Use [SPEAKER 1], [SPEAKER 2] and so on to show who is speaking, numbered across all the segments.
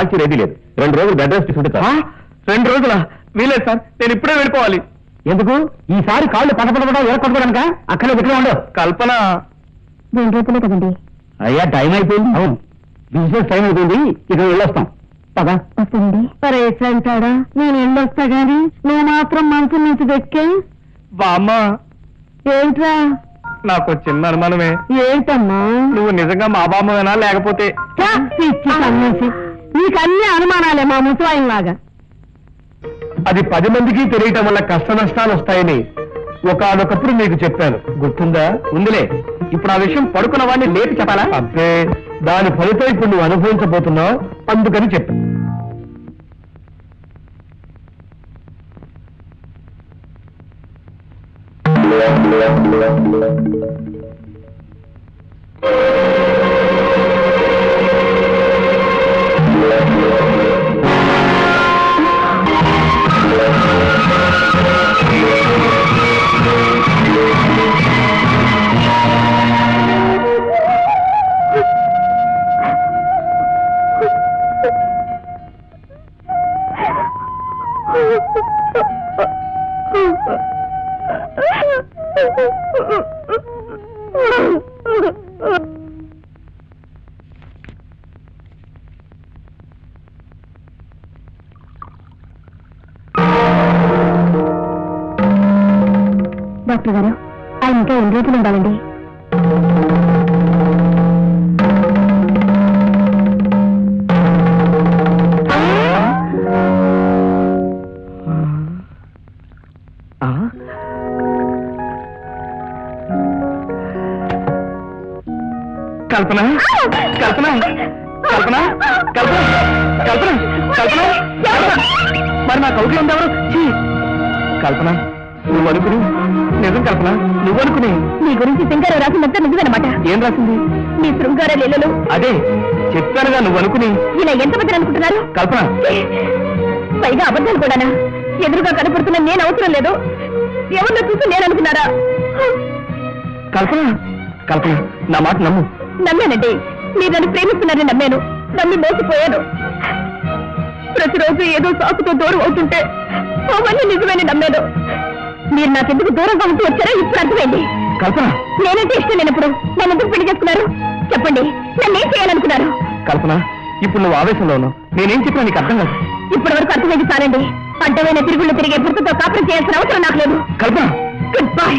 [SPEAKER 1] Taxi ready లేదు. 2 రోజులు bed rest తీసుకుంటే
[SPEAKER 2] 2 రోజులా? వీలేదు సార్, నేను ఇప్పుడే వెళ్ళిపోవాలి.
[SPEAKER 1] ఎందుకు? ఈసారి కాళ్ళు పడపడపడా ఎరకొట్టుకోవడానిక? అక్కడ ఎక్కడ ఉండవు.
[SPEAKER 2] కల్పన
[SPEAKER 3] 2 రోజులే కదండి.
[SPEAKER 1] అయ్యా టైం అయిపోయింది. అవును, బిజినెస్ టైం అయిపోయింది. ఇక వెళ్ళొస్తాం. పదా
[SPEAKER 3] వస్తుంది. పరేసి అంటాడా? నేను వెళ్ళొస్తా గాని నువ్వు మాత్రం మనసు నుంచి దక్కే.
[SPEAKER 2] బామ్మ,
[SPEAKER 3] ఏంట్రా?
[SPEAKER 2] నాకు చిన్న అనుమానమే.
[SPEAKER 3] ఏంటమ్మా?
[SPEAKER 2] నువ్వు నిజంగా మా బామ్మవేనా లేకపోతే?
[SPEAKER 3] నీకు అన్ని అనుమానాలే మా ముసలాయిలాగా.
[SPEAKER 2] అది 10 మందికి తెలియటం వల్ల కష్ట నష్టాలు వస్తాయని ఒకానొకప్పుడు మీకు చెప్పాను, గుర్తుందా?
[SPEAKER 1] ఉందిలే. ఇప్పుడు ఆ విషయం పడుకున్న వాడిని లేపి చెప్పాలా?
[SPEAKER 2] అబ్బే, దాని ఫలితం ఇప్పుడు నువ్వు అనుభవించబోతున్నావు, అందుకని చెప్పాను.
[SPEAKER 3] డాక్టర్ గారు, ఆయన ఇంకా 2 రోజులు ఉండాలండి.
[SPEAKER 2] కల్పన, కల్పన, కల్పన, కల్పన, కల్పన, కల్పన, మరి నా కౌకి ఉందెవరు? కల్పన, నువ్వు అనుకుని నిజం. కల్పన, నువ్వు అనుకుని
[SPEAKER 3] మీ గురించి శృంగారం రాసిందంతా నిజమన్నమాట.
[SPEAKER 2] ఏం రాసింది?
[SPEAKER 3] మీ శృంగార లీలలు.
[SPEAKER 2] అదే చెప్పానుగా, నువ్వు అనుకుని.
[SPEAKER 3] ఇలా ఎంతమంది అనుకుంటున్నారు?
[SPEAKER 2] కల్పన,
[SPEAKER 3] పైగా అబద్ధాలు కూడానా? ఎదురుగా కనపడుతున్న నేను అవసరం లేదు, ఎవరిలో చూసి నేను అనుకున్నారా?
[SPEAKER 2] కల్పన, కల్పన, నా మాట నమ్ము.
[SPEAKER 3] నమ్మానండి. మీరు నన్ను ప్రేమిస్తున్నారని నమ్మాను, నమ్మి మోసపోయాను. ప్రతిరోజు ఏదో సాకుతో దూరం అవుతుంటే అవన్నీ నిజమని నమ్మాను. మీరు నాకెందుకు దూరంగా ఉంటూ వచ్చారో ఇప్పుడు అర్థమైంది.
[SPEAKER 2] కల్పన,
[SPEAKER 3] నేనంటే ఇష్టం లేనప్పుడు నన్ను ఎందుకు పెళ్లి చేసుకున్నారు? చెప్పండి, నన్ను ఏం చేయాలనుకున్నారు?
[SPEAKER 2] కల్పన, ఇప్పుడు నువ్వు ఆవేశంలో ఉన్నావు. నేనేం చెప్పినా నీకు అర్థం కాదు.
[SPEAKER 3] ఇప్పటి వరకు అర్థమైంది చాలండి. అడ్డమైన తిరుగుళ్ళు తిరిగే భర్తతో కాపురం చేయాల్సిన అవసరం నాకు లేదు.
[SPEAKER 2] Kalpana,
[SPEAKER 3] good bye.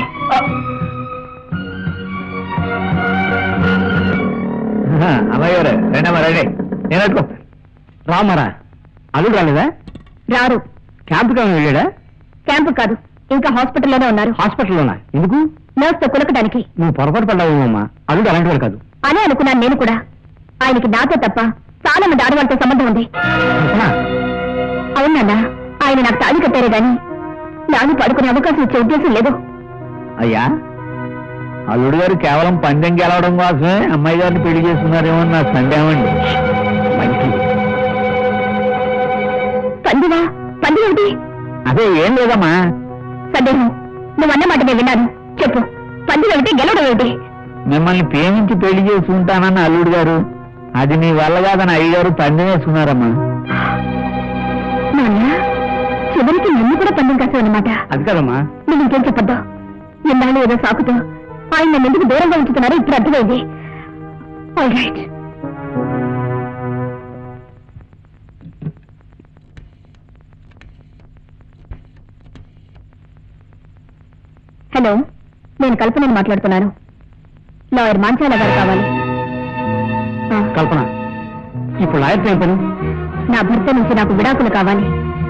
[SPEAKER 1] అమ్మాయి గారు రెండమ్మా రండి. నేను అట్టుకో. రామారా అల్లుడు రాలేదా?
[SPEAKER 3] రారు.
[SPEAKER 1] క్యాంపుకి ఏమైనా వెళ్ళాడా?
[SPEAKER 3] క్యాంపు కాదు, ఇంకా హాస్పిటల్లోనే ఉన్నారు.
[SPEAKER 1] హాస్పిటల్లోనా? ఎందుకు?
[SPEAKER 3] నర్స్ తో కులకడానికి.
[SPEAKER 1] నువ్వు పొరపాటు పడ్డావేమమ్మా. అల్లుడు అలాంటి వాడు కాదు.
[SPEAKER 3] అనే అనుకున్నాను నేను కూడా. ఆయనకి నాతో తప్ప చాలా మంది ఆడవాళ్ళతో సంబంధం ఉంది. అవునన్నా, ఆయన నాకు తాళి కట్టారే గాని నాని పడుకునే అవకాశం ఇచ్చే ఉద్దేశం లేదు.
[SPEAKER 1] అయ్యా, అల్లుడు గారు కేవలం పందెం గెలవడం కోసమే అమ్మాయి గారిని పెళ్లి చేస్తున్నారేమో నా సందేహం అండి.
[SPEAKER 3] పందివా? పంది ఏమిటి?
[SPEAKER 1] అదే ఏం లేదమ్మా.
[SPEAKER 3] సందేహం. నువ్వన్నమాట నేను విన్నాను. చెప్పు, పంది ఏమిటి, గెలవడం ఏమిటి?
[SPEAKER 1] మిమ్మల్ని ప్రేమించి పెళ్లి చేసి ఉంటానన్న అల్లుడు గారు, అది నీ వల్ల కాదని అయ్యగారు పందెం వేసుకున్నారమ్మా.
[SPEAKER 3] నాన్న, చివరికి నన్ను కూడా పందెం కాసావన్నమాట.
[SPEAKER 1] అది కదమ్మా.
[SPEAKER 3] నువ్వు ఇంకేం చెప్పొద్దు. ఇన్నాళ్ళు ఏదో సాకుతో ఆయన నన్ను ఎందుకు దూరంగా ఉంచుతున్నారో ఇప్పుడు అర్థమైంది. All right. హలో, నేను కల్పనని మాట్లాడుతున్నాను. లాయర్ మాంచాల గారు కావాలి.
[SPEAKER 1] కల్పన, ఇప్పుడు లాయర్తో ఏం పని?
[SPEAKER 3] నా భర్త నుంచి నాకు విడాకులు కావాలి.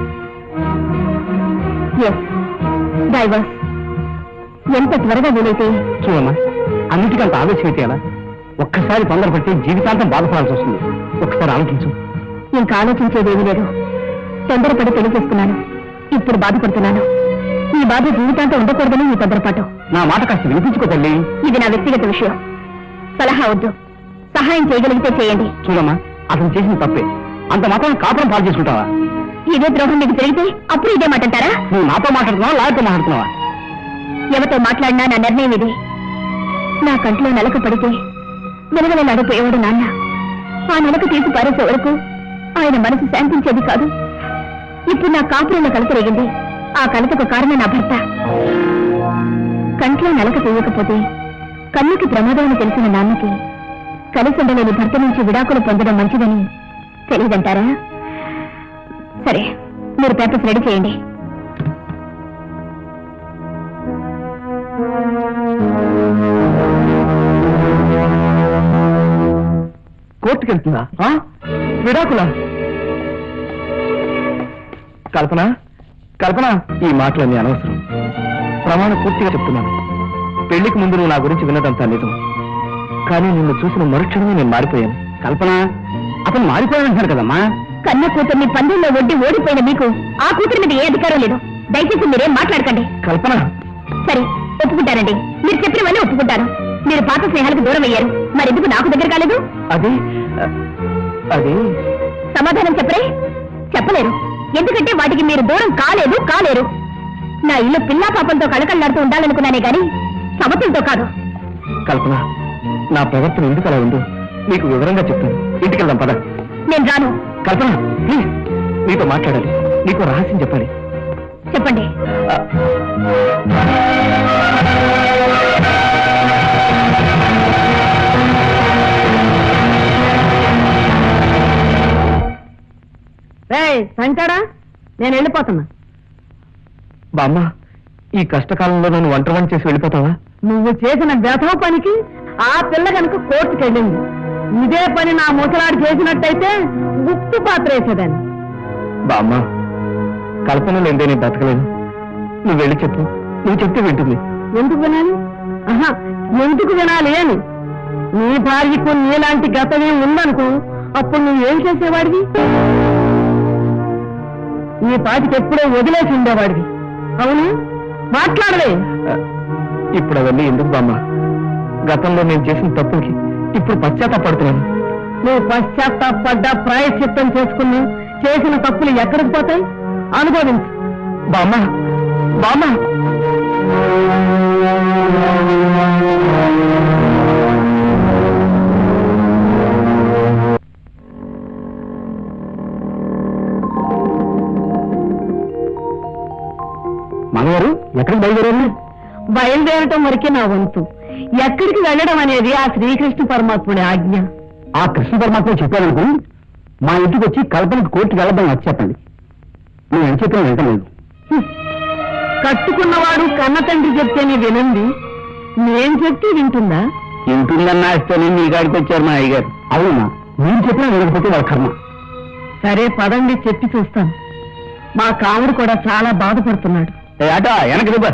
[SPEAKER 3] Yes, divorce. ఎంత త్వరగా వీలైతే.
[SPEAKER 1] చూడమ్మా, అన్నిటికంత ఆవేశం అయితే ఎలా? ఒక్కసారి తొందరపట్టి జీవితాంతం బాధపడాల్సి వస్తుంది. ఒక్కసారి ఆలోచించు.
[SPEAKER 3] ఇంకా ఆలోచించేదేమీ లేదు. తొందరపడి పెళ్లి చేసుకున్నాను, ఇప్పుడు బాధపడుతున్నాను. ఈ బాధ జీవితాంతం ఉండకూడదని ఈ తొందరపాటు.
[SPEAKER 1] నా మాట కాస్త వినిపించుకో తల్లి.
[SPEAKER 3] ఇది నా వ్యక్తిగత విషయం, సలహా వద్దు. సహాయం చేయగలిగితే చేయండి.
[SPEAKER 1] చూడమ్మా, అతను చేసిన తప్పే. అంత మాత్రం కాపురం పాలు చేసుకుంటావా?
[SPEAKER 3] ఇదే ద్రోహం మీకు జరిగితే అప్పుడు ఇదే మాట అంటారా?
[SPEAKER 1] నువ్వు నాతో మాట్లాడుతున్నావా, లాయర్తో మాట్లాడుతున్నావా?
[SPEAKER 3] ఎవరితో మాట్లాడినా నా నిర్ణయం ఇది. నా కంట్లో నలక పడితే వెలగల నడిపోయేవాడు నాన్న. ఆ నలక తీసి పారేసే వరకు ఆయన మనసు శాంతించేది కాదు. ఇప్పుడు నా కాపురంలో కలత రేగింది. ఆ కలతకు కారణం నా భర్త. కంట్లో నలక తీయకపోతే కన్నుకి ప్రమాదం అని తెలిసిన నాన్నకి కలిసి ఉండలేని భర్త నుంచి విడాకులు పొందడం మంచిదని తెలియదంటారా? సరే, మీరు పేపర్స్ రెడీ చేయండి.
[SPEAKER 2] కోర్టుకి వెళ్తుందా? విడాకులా? కల్పన, కల్పన, ఈ మాటలన్నీ అనవసరం. ప్రమాణం పూర్తిగా చెప్తున్నాను. పెళ్లికి ముందు నువ్వు నా గురించి విన్నదంతా నిజం. కానీ నిన్ను చూసిన మరుక్షణమే నేను మారిపోయాను. కల్పన, అతను మారిపోయానంటారు కదమ్మా.
[SPEAKER 3] కన్న కూతుర్ని పందెంలో ఒడ్డి ఓడిపోయిన మీకు ఆ కూతురి మీద ఏ అధికారం లేదు. దయచేసి మీరేం మాట్లాడకండి.
[SPEAKER 2] కల్పన,
[SPEAKER 3] సరే, ఒప్పుకుంటారండి. మీరు చెప్పినవన్నీ ఒప్పుకుంటారు. మీరు పాత స్నేహాలకు దూరం అయ్యారు. మరెందుకు నాకు దగ్గర కాలేదు?
[SPEAKER 2] అది అది
[SPEAKER 3] సమాధానం చెప్పరే? చెప్పలేరు. ఎందుకంటే వాటికి మీరు దూరం కాలేరు. నా ఇల్లు పిల్లా పాపంతో కళకళలాడుతూ ఉండాలనుకున్నానే గాని సమతులతో కాదు.
[SPEAKER 2] కల్పన, నా ప్రవర్తన ఎందుకు అలా ఉందో నీకు వివరంగా చెప్తాను. ఇంటికి వెళ్దాం పద.
[SPEAKER 3] నేను రాను.
[SPEAKER 2] కల్పన, ప్లీజ్, నీతో మాట్లాడాలి. నీకు రహస్యం చెప్పాలి.
[SPEAKER 3] చెప్పండి. సంచాడా, నేను వెళ్ళిపోతున్నా.
[SPEAKER 2] బామ్మ, ఈ కష్టకాలంలో నన్ను ఒంటరిని చేసి వెళ్ళిపోతావా?
[SPEAKER 3] నువ్వు చేసిన వ్యథవ పనికి ఆ పిల్ల కనుక కోర్టుకు వెళ్ళింది. ఇదే పని నా ముసలాడు చేసినట్టయితే గుప్తు పాత్ర వేసేదాన్ని.
[SPEAKER 2] బామ్మ, కల్పన లేదే నేను బతకలేను. నువ్వు వెళ్ళి చెప్పు. నువ్వు చెప్తే వింటుంది.
[SPEAKER 3] ఎందుకు వినాలి? ఎందుకు వినాలి అని నీ భార్యకు నీలాంటి గతమే ఉందనుకో, అప్పుడు నువ్వేం చేసేవాడివి? నీ పాటికి ఎప్పుడో వదిలేసి ఉండేవాడివి. అవును, మాట్లాడలే.
[SPEAKER 2] ఇప్పుడు అవన్నీ ఎందుకు బామ్మ? గతంలో నేను చేసిన తప్పుకి ఇప్పుడు పశ్చాత్తాపడుతున్నాను.
[SPEAKER 3] నువ్వు పశ్చాత్తాపడ్డా ప్రాయశ్చిత్తం చేసుకుని చేసిన తప్పులు ఎక్కడికి పోతాయి? అనుభవించు.
[SPEAKER 2] బామ్మ, బామ్మ, మనగారు ఎక్కడికి బయలుదేరారు?
[SPEAKER 3] బయలుదేరటం వరకే నా వంతు. ఎక్కడికి వెళ్ళడం అనేది ఆ శ్రీకృష్ణ పరమాత్ముడి ఆజ్ఞ.
[SPEAKER 2] ఆ కృష్ణ పరమాత్మ చెప్పారనుకో, మా ఇంటికి వచ్చి కల్పనకి కోర్టుకి వెళ్ళడం వచ్చి చెప్పండి. నేను ఎంత చెప్పినా వింటలేదు.
[SPEAKER 3] కట్టుకున్నవాడు కన్న తండ్రి చెప్తేనే వినండి. నేను చెప్తే వింటుందా?
[SPEAKER 2] ఇంటుందన్నా ఇస్తేనే మీ గాడికి వచ్చారు మా అయ్యగారు. అవునా? మీరు చెప్పినా వినకపోతే వాళ్ళ కర్మ.
[SPEAKER 3] సరే పదండి, చెప్పి చూస్తాను. మా కాముడు కూడా చాలా బాధపడుతున్నాడు.
[SPEAKER 2] ఆటో వెనక